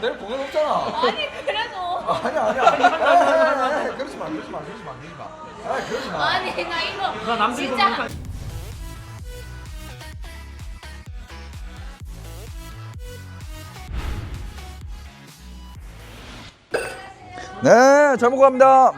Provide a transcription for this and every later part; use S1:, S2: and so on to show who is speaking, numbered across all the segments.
S1: 내일 공연 없잖아.
S2: 아니 그래도
S1: 아니야. 그러지 마. 그러지 마. 그러지 마.
S2: 아니 나 이거
S3: 나 남들이
S2: 진짜
S3: 보니까
S1: 네, 잘 먹고 갑니다.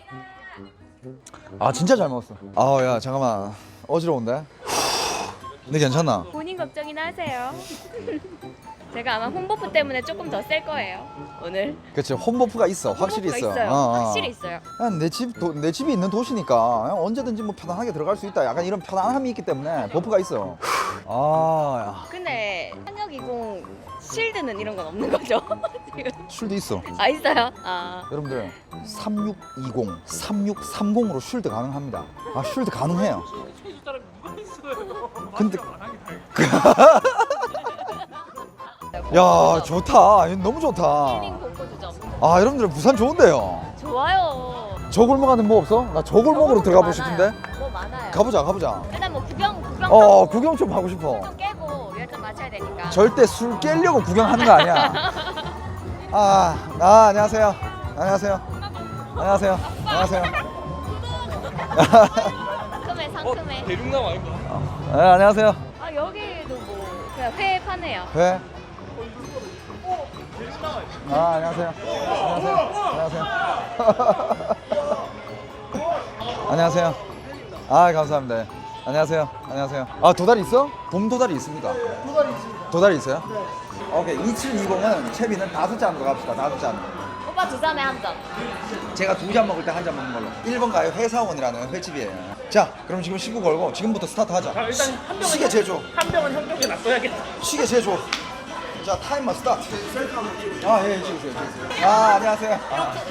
S1: 아, 진짜 잘 먹었어. 아, 야, 잠깐만. 어지러운데? 근데 괜찮나?
S2: 본인 걱정이나 하세요. 제가 아마 홈버프 때문에 조금 더 셀 거예요 오늘.
S1: 그치, 홈버프가 있어. 확실히
S2: 홈버프가
S1: 있어.
S2: 있어요. 확실히 있어요.
S1: 그냥 내 집이 있는 도시니까 언제든지 뭐 편안하게 들어갈 수 있다. 약간 이런 편안함이 있기 때문에 버프가 있어. 아,
S2: 근데 한역20 실드는 이런 건 없는 거죠? 지금.
S1: 쉴드 있어.
S2: 아 있어요? 아
S1: 여러분들 3620, 3630으로 쉴드 가능합니다. 아, 쉴드 가능해요.
S3: 최주따라 누가 있어요?
S1: 근데
S2: 아,
S1: 야, 좋다. 너무 좋다.
S2: 힐링 공고주점
S1: 아, 여러분들 부산 좋은데요.
S2: 좋아요.
S1: 저 골목 안에 뭐 없어? 나 저 골목으로 들어가 보고 싶은데.
S2: 뭐 많아요.
S1: 가보자.
S2: 일단 뭐 구경
S1: 구경 좀 하고 싶어.
S2: 좀 깨고 열정 맞춰야 되니까.
S1: 절대 술 깨려고 구경하는 거 아니야. 안녕하세요.
S2: 상큼해.
S3: 대륙남 아닌가?
S1: 네, 안녕하세요.
S2: 아 여기도 뭐 그냥 회 파네요.
S1: 네. 안녕하세요. 안녕하세요. 아, 감사합니다. 안녕하세요. 아, 도다리 있어? 봄 도다리 있습니까? 도다리 있어요? 네. 오케이. 2720은 채비는 5잔으로 갑시다. 5잔.
S2: 오빠 두 잔에 한 잔.
S1: 제가 2잔 먹을 때 1잔 먹는 걸로. 1번 가요 회사원이라는 횟집이에요. 자, 그럼 지금 신고 걸고 지금부터 스타트 하자.
S3: 자, 일단 한 병은
S1: 시계 제조.
S3: 한 병은 형 쪽에 놔둬야겠다.
S1: 시계 제조. 자, 타이머 스타트. 예, 찍으세요. 안녕하세요.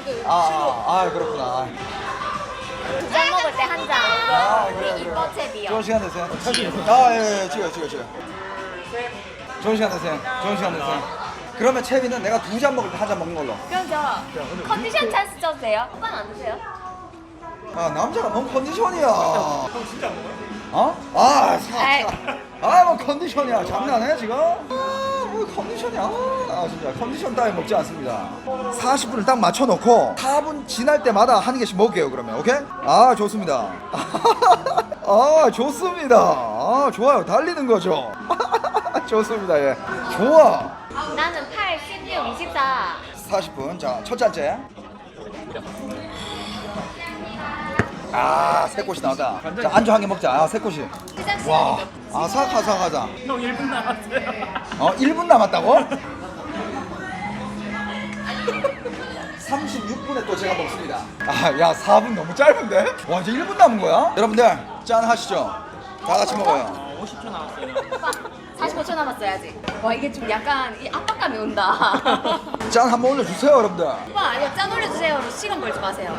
S1: 그렇구나.
S2: 두 잔 먹을 때 한 잔. 우리 이뻐 채비요.
S1: 좋은 시간 되세요. 예, 찍어요. 좋은 시간 되세요. 그러면 채비는 내가 2잔 먹을 때 1잔 먹는 걸로.
S2: 그럼 저 컨디션 찬스 쳐도 돼요? 오빠는 안 드세요?
S1: 아, 남자가 뭔 컨디션이야.
S3: 진짜 안 먹어요?
S1: 뭐 컨디션이야. 장난해 지금? 뭐 컨디션이야. 진짜 컨디션 따위 먹지 않습니다. 40분을 딱 맞춰놓고 4분 지날 때마다 한 개씩 먹게요. 그러면 오케이? 좋습니다. 좋습니다. 좋아요. 달리는 거죠. 좋습니다. 예. 좋아.
S2: 나는 8, 16, 24.
S1: 40분. 자, 첫 잔째. 새 꽃이 나왔다. 자, 안주 한 개 먹자. 새 꽃이.
S2: 시작
S1: 와.
S2: 시간이
S1: 사가자.
S3: 형 1분 남았어요.
S1: 1분 남았다고? 36분에 또 제가 먹습니다. 야, 4분 너무 짧은데? 와, 이제 1분 남은 거야? 여러분들, 짠 하시죠. 다 같이 먹어요.
S3: 50초 남았어요.
S2: 오빠 45초 남았어요 아직. 와 이게 좀 약간 이 압박감이 온다.
S1: 짠 한번 올려주세요, 여러분들.
S2: 오빠 아니요 짠 올려주세요. 시간 벌지 마세요.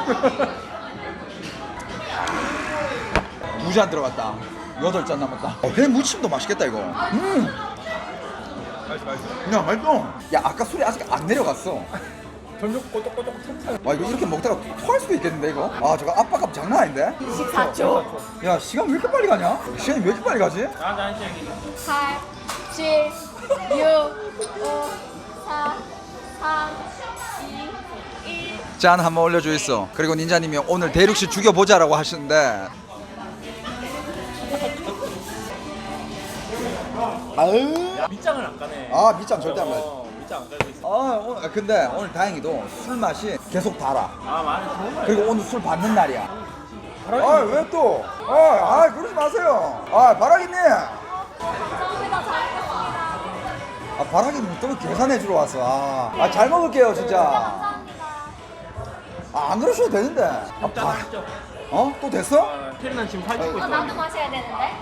S1: 2잔 들어갔다. 8잔 남았다. 회 무침도 맛있겠다, 이거.
S3: 맛있어.
S1: 야, 맛있어. 야, 아까 술이 아직 안 내려갔어.
S3: 점점 꼬독꼬독 틈새.
S1: 와, 이거 이렇게 먹다가 토할 수도 있겠는데, 이거? 저거 압박감 장난 아닌데?
S2: 24초.
S1: 야, 시간 왜 이렇게 빨리 가냐? 시간이 왜 이렇게 빨리 가지?
S3: 한 시간이.
S2: 8, 7, 6, 5, 4, 3, 2, 1.
S1: 짠 한번 올려줘 있어. 그리고 닌자님이 오늘 대륙씨 죽여보자라고 하시는데
S3: 밑장을 안 까네.
S1: 밑장 절대 안 가지.
S3: 밑장 안 깔고 있어.
S1: 근데 오늘 다행히도 술 맛이 계속 달아.
S3: 많이 좋은 거
S1: 그리고 오늘 술 받는 날이야.
S3: 바람이
S1: 왜 또? 그러지 마세요. 바라기님.
S2: 감사합니다. 잘 먹겠습니다.
S1: 바라기님 또 계산해 주러 왔어. 잘 먹을게요 진짜.
S2: 감사합니다.
S1: 안 그러셔도 되는데.
S3: 짠.
S1: 또 됐어?
S3: 테리는 지금 살찌고 있어.
S2: 나도 마셔야 되는데.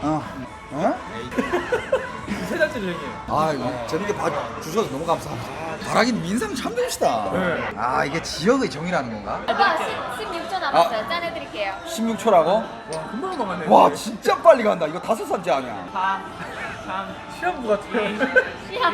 S3: 세 달째 저기.
S1: 이거 재밌게 봐주셔서 너무 감사합니다. 바라기님 인상 참 좋으시다.
S3: 네.
S1: 이게 지역의 정이라는 건가?
S2: 오빠 16초 남았어요. 짠 해드릴게요.
S1: 16초라고?
S3: 와 금방 넘어가네.
S1: 와, 진짜 빨리 간다. 이거 5산째 아니야.
S3: 4, 3, 시험부 같아요.
S2: 시험.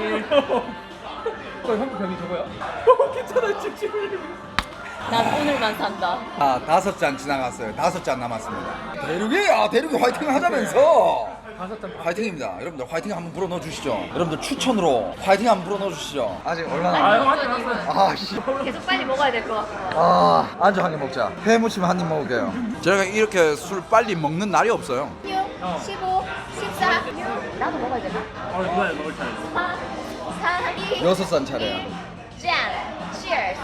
S3: 형 병이 저거야? 괜찮아 지금.
S2: 난 오늘만 산다.
S1: 5잔 지나갔어요. 5잔 남았습니다. 대륙이 화이팅 하자면서. 화이팅입니다. 여러분들 화이팅 한번 불어 넣어 주시죠. 여러분들 추천으로 화이팅 한번 불어 넣어 주시죠. 아직 얼마나
S3: 아, 형 한잔 왔어요.
S1: 아 씨.
S2: 계속 빨리 먹어야 될 것 같고.
S1: 아 안주 한 개 먹자. 회무침 한 입 먹을게요. 제가 이렇게 술 빨리 먹는 날이 없어요.
S2: 6, 15, 14, 6. 나도 먹어야 되나?
S3: 누나 먹을 차례.
S2: 4, 3, 2,
S1: 여섯 산 차례야.
S2: 짠! Cheers!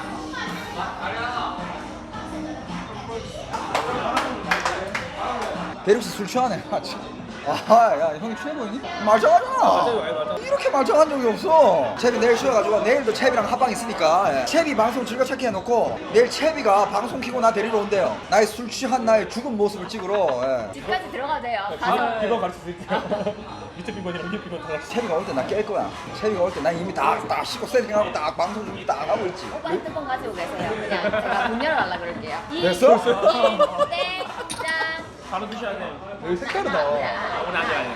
S1: 대륙 씨술 취하네. 아야 형이 취해 보이니? 말짱하잖아. 이렇게 말짱한 적이 없어. 채비 내일 쉬어가지고 내일도 채비랑 합방 있으니까 채비 방송 즐겨찾기 해놓고 내일 채비가 방송 키고 나 데리러 온대요. 나의 술 취한 나의 죽은 모습을 찍으러.
S2: 집까지 들어가도 돼요. 가서.
S3: 비번 가르쳐 드릴게요. 밑에 비번이랑 위에 비번 다 가르쳐.
S1: 채비가 올 때 나 깰 거야. 채비가 올 때 난 이미 다 씻고 세팅하고 딱 방송 준비 딱 하고 있지.
S2: 오빠 핸드폰 가지고 계세요. 그냥 제가 문 열어달라 그럴게요.
S1: 됐어?
S2: 땡! 짠!
S3: 바로 드셔야 돼.
S1: 여기 색다르다.
S3: 오늘 아직.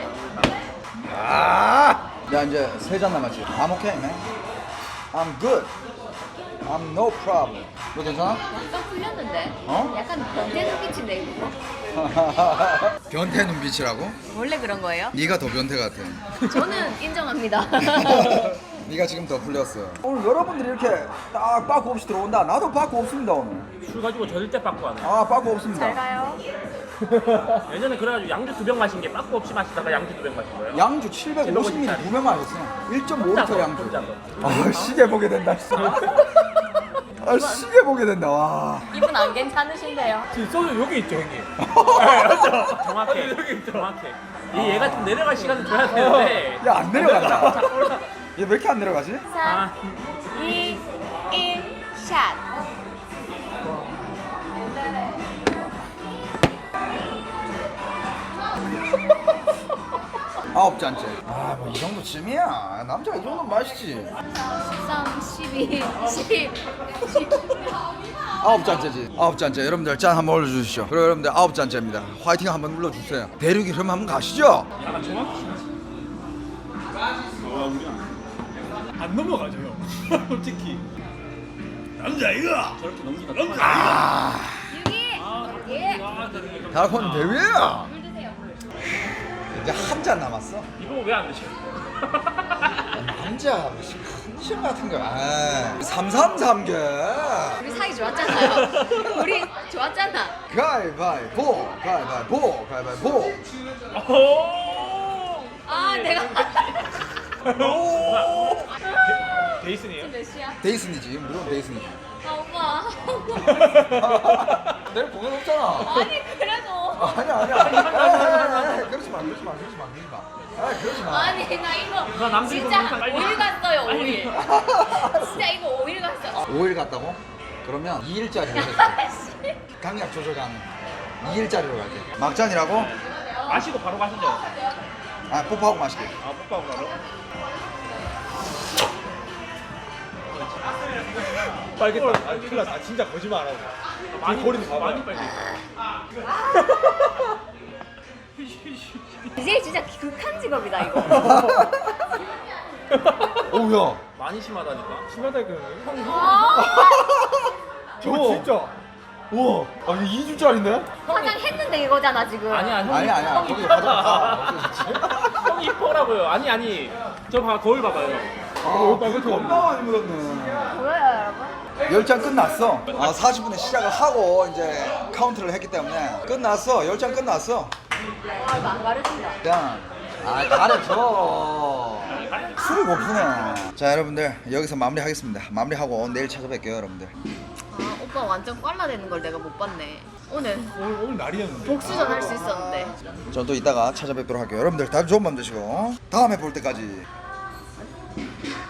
S1: 아! 야 이제 세 잔 남았지. I'm okay, man. I'm good. I'm no problem. 너 괜찮아?
S2: 약간 풀렸는데?
S1: 어?
S2: 약간 변태 눈빛인데 이거?
S1: 변태 눈빛이라고?
S2: 원래 그런 거예요?
S1: 네가 더 변태 같아.
S2: 저는 인정합니다.
S1: 네가 지금 더 풀렸어. 오늘 여러분들이 이렇게 딱 빠꾸 없이 들어온다. 나도 빠꾸 없습니다 오늘.
S3: 술 가지고 저릴 때 빠꾸 하네.
S1: 아 빠꾸 없습니다.
S2: 잘 가요.
S3: 예전에 그래가지고 양주 2병 마신 게 빠꾸 없이 마시다가 양주 2병 마신 거예요.
S1: 양주 750ml 2명 마셨어. 1.5리터 양주.
S3: 혼자서.
S1: 아 시계 보게 된다. 아 시계 보게 된다. 와.
S2: 이분 안 괜찮으신데요?
S3: 지금 소주 여기 있죠, 형님. 네, 맞죠? 정확해. 여기 있죠. 정확해. 얘가 좀 내려갈 시간을 줘야 되는데.
S1: 야 안 내려간다. 얘 왜 이렇게 안 내려가지?
S2: 3, 2, 1, 샷!
S1: 아홉 잔째. 아 뭐 이 정도쯤이야. 남자가 이 정도면 마시지.
S2: 13, 12, 10, 10.
S1: 아홉 잔째지. 아홉 잔째. 여러분들 짠 한번 올려주시죠. 그리고 여러분들 아홉 잔째입니다. 화이팅 한번 눌러주세요. 대륙이 그럼 한번 가시죠.
S3: 약간 정확히. 안 넘어가죠, 형. 솔직히. 남자이가 저렇게 넘기다. 남자.
S2: 유기! 예!
S1: 달콘 대위야.
S2: 물 드세요, 물.
S1: 이제 한 잔 남았어.
S3: 이거 왜 안 드셔?
S1: 남자 컨디션 같은 거. 아, 333개.
S2: 우리 사이 좋았잖아요. 우리 좋았잖아.
S1: 가위바위보, 가위바위보, 가위바위보.
S3: 오!
S2: 아, 내가.
S3: 데이슨이에요?
S2: 몇 시야?
S1: 데이슨이지. 무조건 데이슨이지.
S2: 아, 오빠.
S1: 내일 공연 없잖아.
S2: 아니, 그래도.
S1: 아니야. 그러지 마. 그러지 마. 아, 그러지 마.
S2: 아니, 나 이거.
S3: 나 남들
S2: 진짜
S3: 보면 빨리
S2: 5일 갔어요, 5일. 진짜 이거 5일 갔어.
S1: 5일 갔다고? 그러면 2일짜리로 해줄게.
S2: 아씨.
S1: 강약 조절 가능. 2일짜리로 갈게. 막잔이라고?
S3: 마시고 바로 가시죠.
S1: 아, 뽀뽀하고 마실게.
S3: 아, 뽀뽀하고 바로. 빨겠다. 아, 큰일 났어. 아, 진짜 거짓말 안 하고. 많이 버리는 거 많이 빨리.
S2: 이제 진짜 극한 직업이다, 이거.
S1: 오야.
S3: 많이 심하다니까. 심하다니까. 형.
S2: 아,
S1: 저거 진짜. 우와. 아, 이게 2주짜리인데?
S2: 화장했는데 이거잖아, 지금.
S3: 아니야, 형.
S1: 아니야.
S3: 형
S1: 거기
S3: 이뻐라.
S1: 가져가.
S3: 형 이뻐라고요. 아니. 저 봐, 거울 봐봐요.
S1: 오빠 왜 겁나 많이 묻었네.
S2: 보여요, 여러분?
S1: 10잔 끝났어. 아, 40분에 시작을 하고 이제 카운트를 했기 때문에 끝났어. 10잔 끝났어.
S2: 아, 이거 안 가르친다.
S1: 그냥 아, 가르쳐. 술을 못 푸네. 자, 여러분들 여기서 마무리하겠습니다. 마무리하고 내일 찾아뵐게요, 여러분들.
S2: 아, 오빠 완전 꽐라되는 걸 내가 못 봤네.
S3: 오늘 날이었는데.
S2: 복수전 할 수 있었는데.
S1: 전 또 이따가 찾아뵙도록 할게요. 여러분들 다들 좋은 밤 되시고 다음에 볼 때까지